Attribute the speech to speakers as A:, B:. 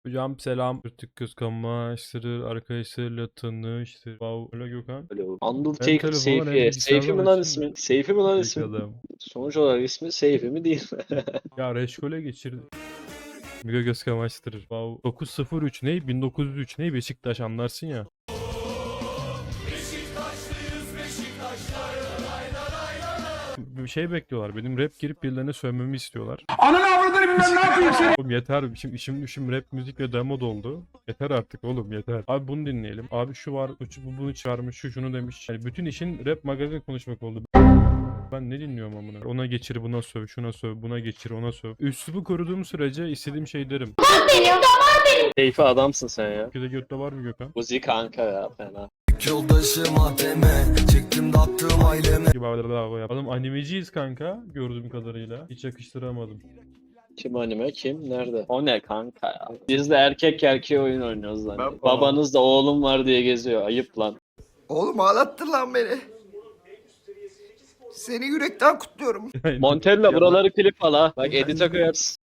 A: Hocam selam. Artık kıskanmıştır. Arkadaşlarıyla tanıştır. Wow. Öyle Gökhan.
B: Öyle
A: Hem
B: Undertaker
A: telefondan hem
B: Seyfi. Seyfi
A: bilgisayardan
B: mi lan
A: açınca.
B: ismi? Seyfi mi lan
A: Büyük
B: ismi?
A: adam.
B: Sonuç olarak ismi Seyfi mi değil mi?
A: Ya Reşkol'e geçirdi. Müge göz kamaştırır. Wow. 903 ne? 1903 ne? Beşiktaş anlarsın ya. Bir şey bekliyorlar. Benim rap girip birilerine sövmemi istiyorlar.
C: Ananı avradını bilmem ne yapayım seni.
A: Oğlum yeter. Şimdi işim rap müzik ve demo doldu. Yeter artık oğlum yeter. Abi bunu dinleyelim. Abi şu var. Bu bunu çağırmış. Şu şunu demiş. Yani bütün işin rap magazin konuşmak oldu. Ben ne dinliyorum amına? Ona geçir, buna söv, şuna söv, buna geçir, ona söv. Üslubu koruduğum sürece istediğim şey derim.
B: Seyfi adamsın sen ya.
A: Ülkede götte var mı Gökhan?
B: Uzi kanka ya fena.
D: Yoldaşım ATM çektim dağıttım aileme.
A: Gibi daha yap. Oğlum animeciyiz kanka gördüğüm kadarıyla. Hiç yakıştıramadım.
B: Kim anime kim? Nerede? O ne kanka ya? Biz de erkek erkeğe oyun oynuyoruz lan. Babanız da oğlum var diye geziyor. Ayıp lan.
D: Oğlum ağlattın lan beni. Seni yürekten kutluyorum.
B: Montella buraları klip al ha. Bak edit'e koyarsın.